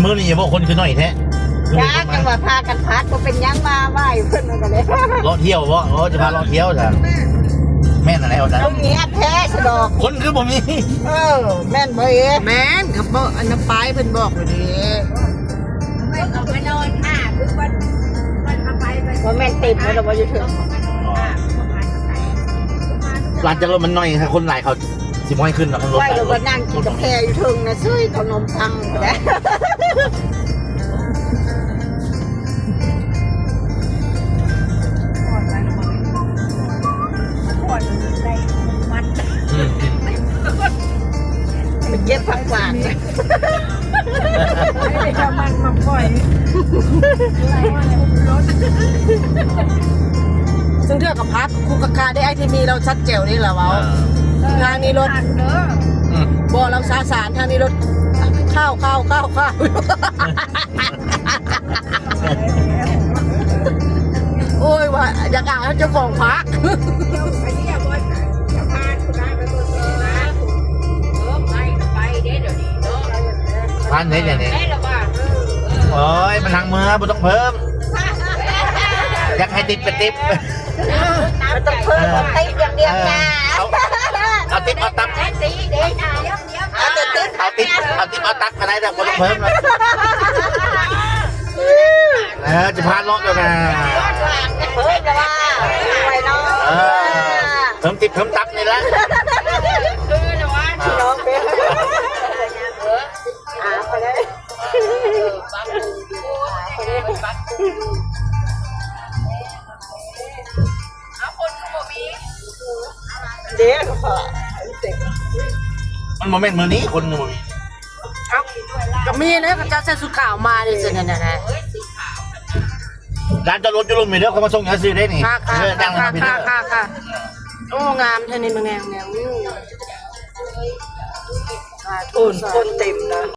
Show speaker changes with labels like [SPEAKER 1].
[SPEAKER 1] มื้อนี้อย่าบอกคนคือน้อยแท้
[SPEAKER 2] จ้าจังหวะพากันพัดก็เป็นยังมาไหวเพื่อนกันเลย
[SPEAKER 1] เลาะเที่ยวบ่จะพาเลาะเที่ยวจ้ะแม่นอะไรเอาจ้ะ
[SPEAKER 2] ตรงนี้แท้สะดอก
[SPEAKER 1] คนคือผมนี่
[SPEAKER 2] แม่นบ่เอ๋
[SPEAKER 3] แม่นกับบ่อันน้ำปลายเพิ่นบอกอยู่ดิ
[SPEAKER 4] เอาไปนอนค่ะคือวันเอาไป
[SPEAKER 2] ว่าแม่นเต็มแล้วเราบ่อยู่ถึง
[SPEAKER 1] ร้านจักรรถมันน้อยค่ะคนหลายเขาสิม้อยขึ้นเนาะรถ
[SPEAKER 2] ไหวเราก็นั่งกินกาแฟอยู่ถึงนะซื้อขนมปังแล้ว
[SPEAKER 1] อืม
[SPEAKER 2] มันเย็บผักหวาน
[SPEAKER 4] มันมาปล่อย
[SPEAKER 3] ซึ่งเทื่อกับพักคูกะกาได้ไอทีมีเราชัดเจ๋วนี่แหละเว้าทางนี้รถ
[SPEAKER 1] อืม
[SPEAKER 3] บ่เราสาสารทางนี้รถข้าวโอ้ยว่าอยากอ่านเจ้าของพัก
[SPEAKER 4] ไปที่บนจะพาคุณได้ไปบนนะไปเดี๋ยวนี้เนาะ
[SPEAKER 1] ร้านไหนเนี่ย
[SPEAKER 4] ได้หรอว่า
[SPEAKER 1] โอ้ยมันทางเมืองบ่ต้องเพิ่มอยากให้ติดเป็นติป
[SPEAKER 2] มันต้องเพิ่มติ๊บอย่างเดียวนะ
[SPEAKER 1] เอาติปเอาตับ
[SPEAKER 4] ได้สีเดี๋ยวนะเดี๋ยว
[SPEAKER 2] เอาแต่ติ๊บ
[SPEAKER 1] เอาติปเอาตับก็ได้แต่บ่ต้องเพิ่มเลยจะพาเลาะด้วยนะ
[SPEAKER 2] เพิ่มจะว่าไว้น้อง
[SPEAKER 1] เพิ่มติปเพิ่มตับนี่ละ
[SPEAKER 4] คือนะว่า
[SPEAKER 2] น้องเป็นไปเลย
[SPEAKER 4] เอาคนเขาบอกมี
[SPEAKER 2] เดี๋ยวพอ
[SPEAKER 1] มันโมเมนต์มือนี้คนมือนี้
[SPEAKER 3] ก็มีนะก็จะใส่สุดขาวมาดิสินั่นน่ะ
[SPEAKER 1] ร้านจอดรถจุลุมมีเด้อเขามาส่งยาซื้อได้นี่
[SPEAKER 3] ค่ะ
[SPEAKER 1] ดังเลยพี่เด้อ
[SPEAKER 3] ค่ะโอ้งามเท่านี้มันแนว
[SPEAKER 2] คนเต็มนะ